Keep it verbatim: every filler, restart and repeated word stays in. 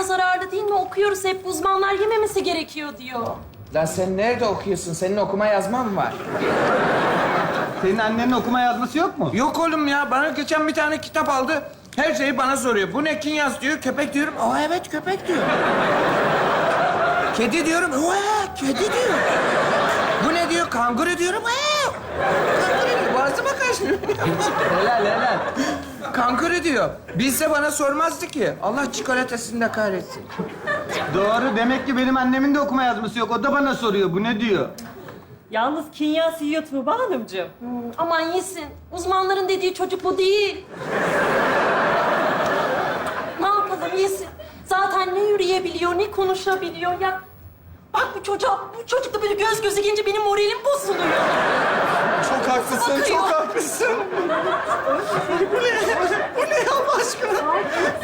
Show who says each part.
Speaker 1: zararlı değil mi? Okuyoruz hep, uzmanlar yememesi gerekiyor diyor.
Speaker 2: Lan sen nerede okuyorsun? Senin okuma yazman mı var?
Speaker 3: Senin annenin okuma yazması yok mu?
Speaker 2: Yok oğlum ya. Bana geçen bir tane kitap aldı. Her şeyi bana soruyor. Bu ne kinyas diyor. Köpek diyorum. Aa evet köpek diyor. Kedi diyorum. Aa kedi diyor. Bu ne diyor? Kanguru diyorum. Aa kanguru diyor. Boğazıma kaçmıyor.
Speaker 3: Helal helal.
Speaker 2: Kanguru diyor. Bilse bana sormazdı ki. Allah çikolatasını da kahretsin.
Speaker 3: Doğru. Demek ki benim annemin de okuma yazması yok. O da bana soruyor. Bu ne diyor?
Speaker 4: Yalnız Kinyas yiyor Tuğba Hanımcığım.
Speaker 1: Hmm, aman yesin. Uzmanların dediği çocuk bu değil. Ne yapalım yesin. Zaten ne yürüyebiliyor, ne konuşabiliyor ya. Bak bu çocuğa, bu çocukla böyle göz göze gelince benim moralim bozuluyor.
Speaker 5: Çok haklısın,
Speaker 1: Bakıyor.
Speaker 5: çok haklısın. Bu ne? Bu ne Allah aşkına?